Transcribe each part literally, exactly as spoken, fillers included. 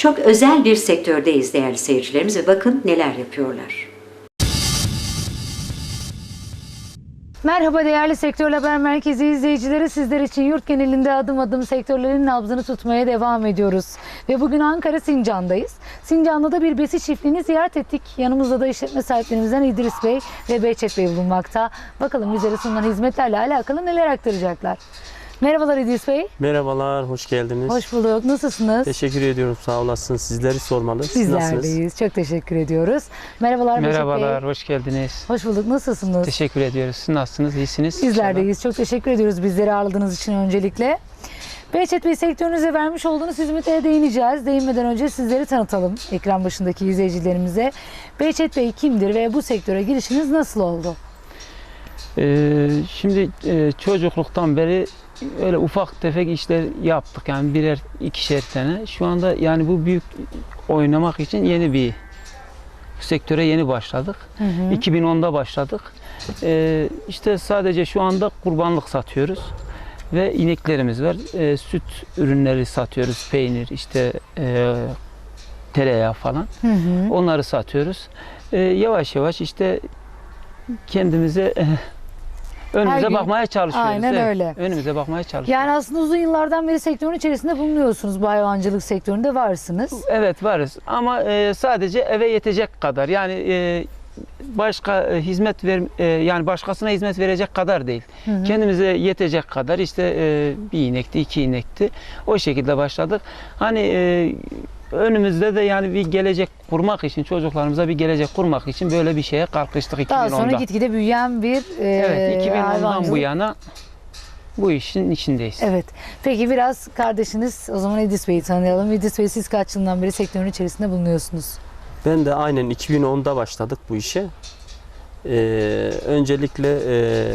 çok özel bir sektördeyiz değerli seyircilerimiz ve bakın neler yapıyorlar. Merhaba değerli Sektör Haber Merkezi izleyicileri. Sizler için yurt genelinde adım adım sektörlerin nabzını tutmaya devam ediyoruz. Ve bugün Ankara Sincan'dayız. Sincan'da da bir besi çiftliğini ziyaret ettik. Yanımızda da işletme sahiplerimizden İdris Bey ve Behçet Bey bulunmakta. Bakalım bizlere sunulan hizmetlerle alakalı neler aktaracaklar. Merhabalar İdris Bey. Merhabalar, hoş geldiniz. Hoş bulduk. Nasılsınız? Teşekkür ediyorum, sağ olasın. Sizleri sormalı. Siz Bizler nasılsınız? deyiz. Çok teşekkür ediyoruz. Merhabalar Behçet Bey. Merhabalar, hoş geldiniz. Hoş bulduk. Nasılsınız? Teşekkür ediyoruz. Siz nasılsınız? İyisiniz? Bizler deyiz. Çok teşekkür ediyoruz bizleri ağırladığınız için öncelikle. Behçet Bey, sektörünüze vermiş olduğunuz hizmetlere değineceğiz. Değinmeden önce sizleri tanıtalım ekran başındaki izleyicilerimize. Behçet Bey kimdir ve bu sektöre girişiniz nasıl oldu? Ee, şimdi e, çocukluktan beri öyle ufak tefek işler yaptık. Yani birer, ikişer tane. Şu anda yani bu büyük oynamak için yeni bir bu sektöre yeni başladık. Hı hı. iki bin onda başladık. Ee, işte sadece şu anda kurbanlık satıyoruz. Ve ineklerimiz var. Ee, süt ürünleri satıyoruz. Peynir, işte e, tereyağı falan. Hı hı. Onları satıyoruz. Ee, yavaş yavaş işte kendimize e, önümüze gün- bakmaya çalışıyoruz. Aynen Evet, öyle. Önümüze bakmaya çalışıyoruz. Yani aslında uzun yıllardan beri sektörün içerisinde bulunuyorsunuz. Bu hayvancılık sektöründe varsınız. Evet, varız ama e, sadece eve yetecek kadar. Yani e, başka e, hizmet ver e, yani başkasına hizmet verecek kadar değil. Hı hı. Kendimize yetecek kadar işte e, bir inekti, iki inekti. O şekilde başladık. Hani e, önümüzde de yani bir gelecek kurmak için, çocuklarımıza bir gelecek kurmak için böyle bir şeye kalkıştık Daha iki bin onda. sonra gitgide büyüyen bir e, Evet, iki bin ondan hayvancılık. bu yana bu işin içindeyiz. Evet. Peki biraz kardeşiniz, o zaman İdris Bey'i tanıyalım. İdris Bey, siz kaç yıldan beri sektörün içerisinde bulunuyorsunuz? Ben de aynen iki bin onda başladık bu işe. Ee, öncelikle e,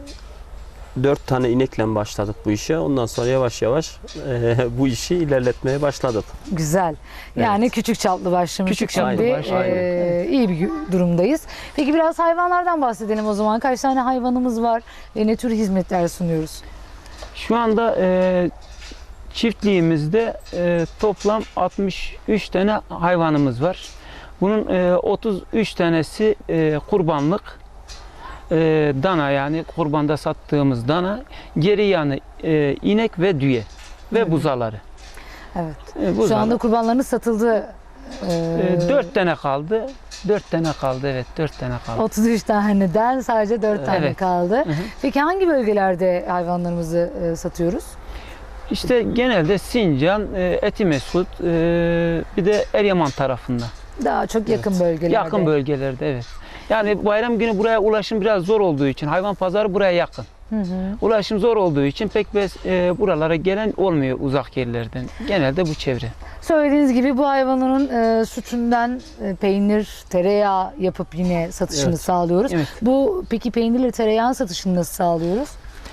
dört tane inekle başladık bu işe. Ondan sonra yavaş yavaş e, bu işi ilerletmeye başladık. Güzel. Yani Evet. küçük çaplı başlamıştık. Küçük çaplı Şimdi başladık. e, iyi bir durumdayız. Peki biraz hayvanlardan bahsedelim o zaman. Kaç tane hayvanımız var ve ne tür hizmetler sunuyoruz? Şu anda e, çiftliğimizde e, toplam altmış üç tane hayvanımız var. Bunun e, otuz üç tanesi e, kurbanlık e, dana, yani kurbanda sattığımız dana. Geri yanı e, inek ve düve ve buzaları. Evet. E, Şu buzalar. anda kurbanlarınız satıldı. E, E, dört tane kaldı. Dört tane kaldı, evet, dört tane kaldı. otuz üç taneden sadece dört tane Evet. kaldı. Hı hı. Peki hangi bölgelerde hayvanlarımızı e, satıyoruz? İşte genelde Sincan, e, Etimesgut, e, bir de Eryaman tarafında. Daha çok yakın bölgelerde. Yakın bölgelerde, evet. Yani bayram günü buraya ulaşım biraz zor olduğu için, hayvan pazarı buraya yakın. Hı hı. Ulaşım zor olduğu için pek bez, e, buralara gelen olmuyor uzak yerlerden. Genelde bu çevre. Söylediğiniz gibi bu hayvanın e, sütünden e, peynir, tereyağı yapıp yine satışını Evet. sağlıyoruz. Evet. Bu peki peynirle tereyağın satışını nasıl sağlıyoruz?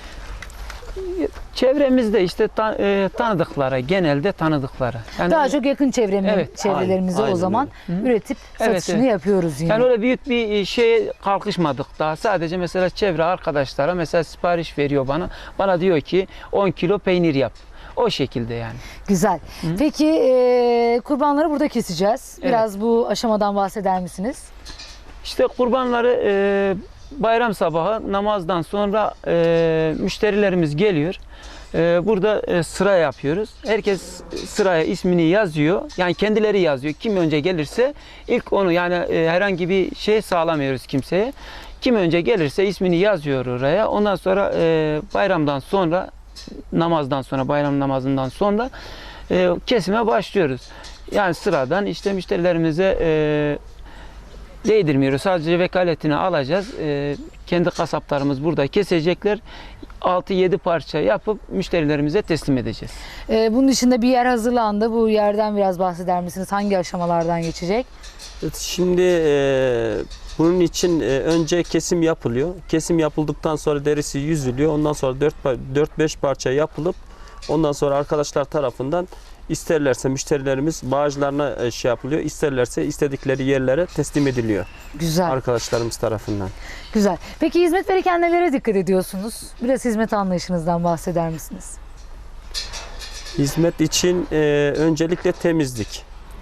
Çevremizde işte ta, e, tanıdıklara, genelde tanıdıklara. Yani, Daha çok yakın çevremi, Evet, çevrelerimize aynen, o aynen zaman öyle. üretip Evet, satışını evet. yapıyoruz yine. yani öyle büyük bir şeye kalkışmadık daha. Sadece mesela çevre arkadaşlara mesela sipariş veriyor bana. Bana diyor ki on kilo peynir yap. O şekilde yani. Güzel. Peki e, kurbanları burada keseceğiz. Evet. Biraz bu aşamadan bahseder misiniz? İşte kurbanları e, bayram sabahı namazdan sonra e, müşterilerimiz geliyor. E, burada e, sıra yapıyoruz. Herkes sıraya ismini yazıyor. Yani kendileri yazıyor. Kim önce gelirse ilk onu, yani e, herhangi bir şey sağlamıyoruz kimseye. Kim önce gelirse ismini yazıyor oraya. Ondan sonra e, bayramdan sonra, namazdan sonra, bayram namazından sonra e, kesime başlıyoruz. Yani sıradan işte müşterilerimize e, değdirmiyoruz. Sadece vekaletini alacağız. Ee, kendi kasaplarımız burada kesecekler. altı yedi parça yapıp müşterilerimize teslim edeceğiz. E, bunun dışında bir yer hazırlandı. Bu yerden biraz bahseder misiniz? Hangi aşamalardan geçecek? Evet, şimdi e, bunun için e, önce kesim yapılıyor. Kesim yapıldıktan sonra derisi yüzülüyor. Ondan sonra dört beş parça yapılıp ondan sonra arkadaşlar tarafından İsterlerse müşterilerimiz bağcılarına şey yapılıyor, isterlerse istedikleri yerlere teslim ediliyor. Güzel. Arkadaşlarımız tarafından. Güzel. Peki hizmet verirken nelere dikkat ediyorsunuz? Biraz hizmet anlayışınızdan bahseder misiniz? Hizmet için e, öncelikle temizlik.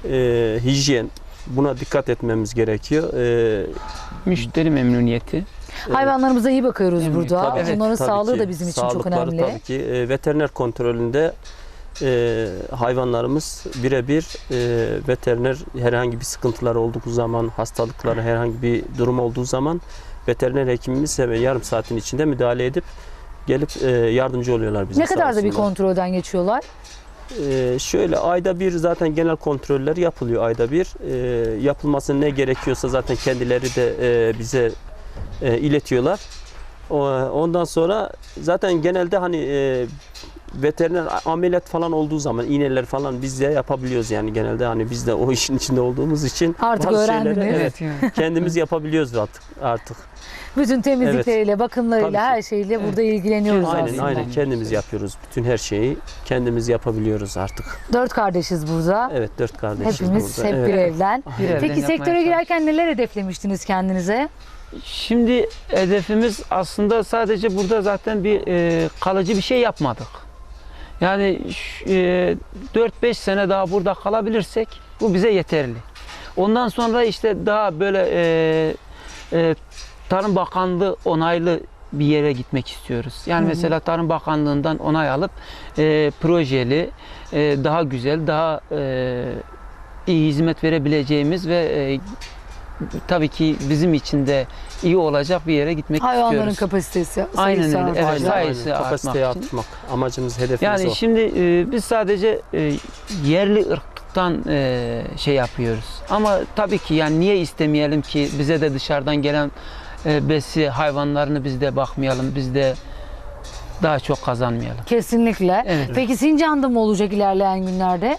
e, hijyen, buna dikkat etmemiz gerekiyor. E, Müşteri memnuniyeti. Hayvanlarımıza iyi bakıyoruz Evet, burada. tabii, Onların tabii sağlığı ki. da bizim için çok Sağlıkları önemli. Tabii ki e, veteriner kontrolünde e, hayvanlarımız birebir e, veteriner herhangi bir sıkıntıları olduğu zaman, hastalıkları herhangi bir durum olduğu zaman veteriner hekimimiz hemen yarım saatin içinde müdahale edip gelip e, yardımcı oluyorlar bize. Ne sağ kadar da bir olsunlar. kontrolden geçiyorlar? Ee, şöyle ayda bir zaten genel kontroller yapılıyor ayda bir. Ee, yapılması ne gerekiyorsa zaten kendileri de e, bize e, iletiyorlar. O, ondan sonra zaten genelde hani e, veteriner ameliyat falan olduğu zaman iğneler falan biz de yapabiliyoruz yani genelde hani biz de o işin içinde olduğumuz için Artık bazı öğrendiniz. şeyleri, evet, Evet. kendimiz yapabiliyoruz artık artık. Bütün temizlikleriyle, bakımlarıyla, Tabii ki. her şeyle burada ilgileniyoruz Aynen aslında. aynen kendimiz yapıyoruz. Bütün her şeyi kendimiz yapabiliyoruz artık. Dört kardeşiz burada. Evet dört kardeşiz Hepimiz burada. hep Evet. bir evden. Bir evden Peki yapmaya sektöre girerken neler hedeflemiştiniz kendinize? Şimdi hedefimiz aslında sadece burada zaten bir e, kalıcı bir şey yapmadık. Yani ş- e, dört beş sene daha burada kalabilirsek bu bize yeterli. Ondan sonra işte daha böyle e, e, Tarım Bakanlığı onaylı bir yere gitmek istiyoruz. Yani Hı hı. mesela Tarım Bakanlığı'ndan onay alıp e, projeli, e, daha güzel, daha e, iyi hizmet verebileceğimiz ve e, tabii ki bizim için de iyi olacak bir yere gitmek Hayvanların istiyoruz. kapasitesi, Aynen sayısı öyle, evet, artacak. Aynen, sayısı aynen. Kapasiteyi artmak için. arttırmak. Amacımız, hedefimiz Yani o. şimdi e, biz sadece e, yerli ırktan e, şey yapıyoruz. Ama tabii ki yani niye istemeyelim ki bize de dışarıdan gelen e, besi hayvanlarını biz de bakmayalım, biz de daha çok kazanmayalım. Kesinlikle. Evet. Peki Sincan'da mı olacak ilerleyen günlerde?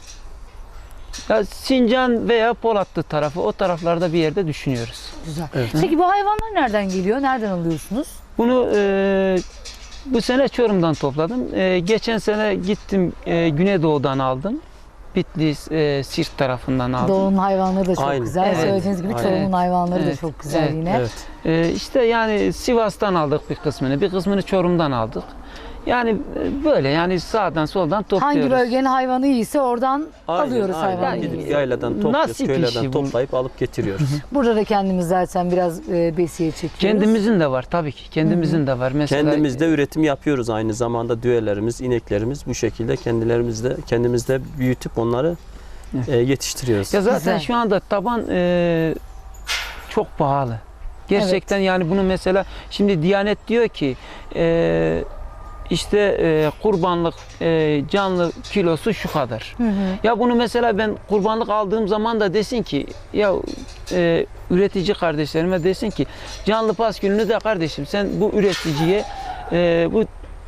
Ya Sincan veya Polatlı tarafı, o taraflarda bir yerde düşünüyoruz. Güzel. Evet. Peki bu hayvanlar nereden geliyor? Nereden alıyorsunuz? Bunu e, bu sene Çorum'dan topladım. E, geçen sene gittim e, Güneydoğu'dan aldım. Bitlis, e, Siirt tarafından aldım. Doğu'nun hayvanları da çok Aynen. güzel. Evet. Söylediğiniz gibi Aynen. Çorum'un hayvanları da Evet. çok güzel Evet. yine. Evet. Ee, işte yani Sivas'tan aldık bir kısmını, bir kısmını Çorum'dan aldık. Yani e, böyle yani sağdan soldan topluyoruz. Hangi bölgenin hayvanı iyiyse oradan Aynen, alıyoruz aynen. hayvanları. Gidip yayladan topluyoruz, Nasip köylerden işi bu. toplayıp alıp getiriyoruz. Burada da kendimiz zaten biraz e, besiye çekiyoruz. Kendimizin de var tabii ki. Kendimizin de var. Mesela Kendimiz de üretim yapıyoruz aynı zamanda düğelerimiz, ineklerimiz bu şekilde kendilerimizde kendimizde büyütüp onları e, yetiştiriyoruz. ya zaten Güzel. şu anda taban e, çok pahalı. Gerçekten yani bunu mesela şimdi Diyanet diyor ki e, işte e, kurbanlık e, canlı kilosu şu kadar. Hı hı. Ya bunu mesela ben kurbanlık aldığım zaman da desin ki ya e, üretici kardeşlerime desin ki canlı pas gününü de kardeşim sen bu üreticiye e, bu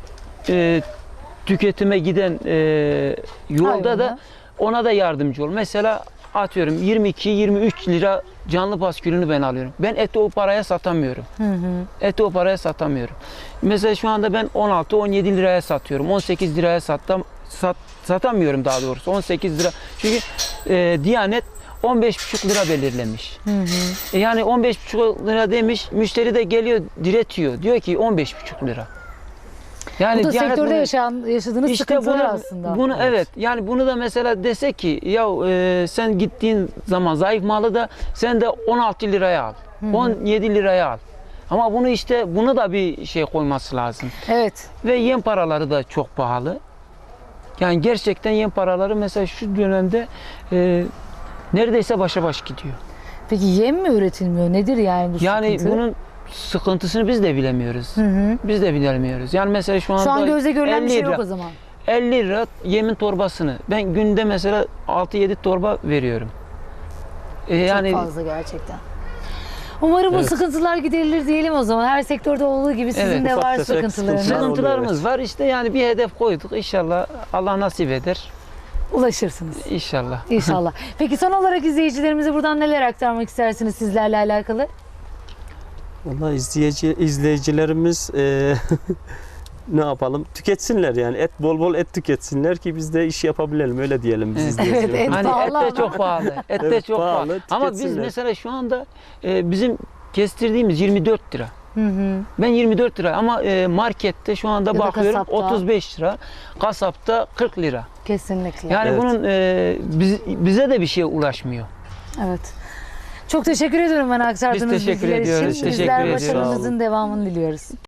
e, tüketime giden e, yolda Hayvanı. da ona da yardımcı ol. Mesela atıyorum yirmi iki yirmi üç lira canlı paskülünü ben alıyorum. Ben eti o paraya satamıyorum. Hı hı. Eti Eti o paraya satamıyorum. Mesela şu anda ben on altı on yedi liraya satıyorum. on sekiz liraya satam, sat, satamıyorum daha doğrusu. on sekiz lira. Çünkü e, Diyanet on beş buçuk lira belirlemiş. Hı hı. E yani on beş buçuk lira demiş. Müşteri de geliyor diretiyor. Diyor ki on beş buçuk lira. Yani Bu da Diyanet sektörde bunu- yaşayan, yaşadığınız işte sıkıntılar bunu, aslında. bunu evet. Yani bunu da mesela dese ki ya e, sen gittiğin zaman zayıf malı da sen de on altı liraya al. on yedi liraya al. Ama bunu işte bunu da bir şey koyması lazım. Evet. Ve yem paraları da çok pahalı. Yani gerçekten yem paraları mesela şu dönemde e, neredeyse başa baş gidiyor. Peki yem mi üretilmiyor? Nedir yani bu Yani sıkıntı? bunun sıkıntısını biz de bilemiyoruz. Hı hı. Biz de bilemiyoruz. Yani mesela şu anda Şu an gözle görülen bir elli şey lira. yok o zaman. elli lira yemin torbasını ben günde mesela altı yedi torba veriyorum. E yani Çok fazla gerçekten. Umarım bu Evet. sıkıntılar giderilir diyelim o zaman. Her sektörde olduğu gibi sizin Evet, de ufak var tefek sıkıntılarınız. sıkıntılar oluyor, sıkıntılarımız var. İşte yani bir hedef koyduk. İnşallah Allah nasip eder. Ulaşırsınız. İnşallah. İnşallah. Peki son olarak izleyicilerimize buradan neler aktarmak istersiniz sizlerle alakalı? Vallahi izleyici izleyicilerimiz e, ne yapalım? Tüketsinler yani. Et bol bol et tüketsinler ki biz de iş yapabilelim. Öyle diyelim biz Evet, izleyicilerimize. et Hani et pahalı de çok ama. pahalı. Et de Evet, çok pahalı, pahalı. Ama biz tüketsinler. mesela şu anda e, bizim kestirdiğimiz yirmi dört lira. Hı hı. Ben yirmi dört lira ama e, markette şu anda Ya da bakıyorum kasapta. otuz beş lira. Kasapta kırk lira. Kesinlikle. Yani Evet. bunun e, biz- bize de bir şey ulaşmıyor. Evet. Çok teşekkür ediyorum bana aktardığınız Biz teşekkür bilgiler ediyoruz, için. teşekkür Bizler ediyoruz. başarınızın devamını diliyoruz.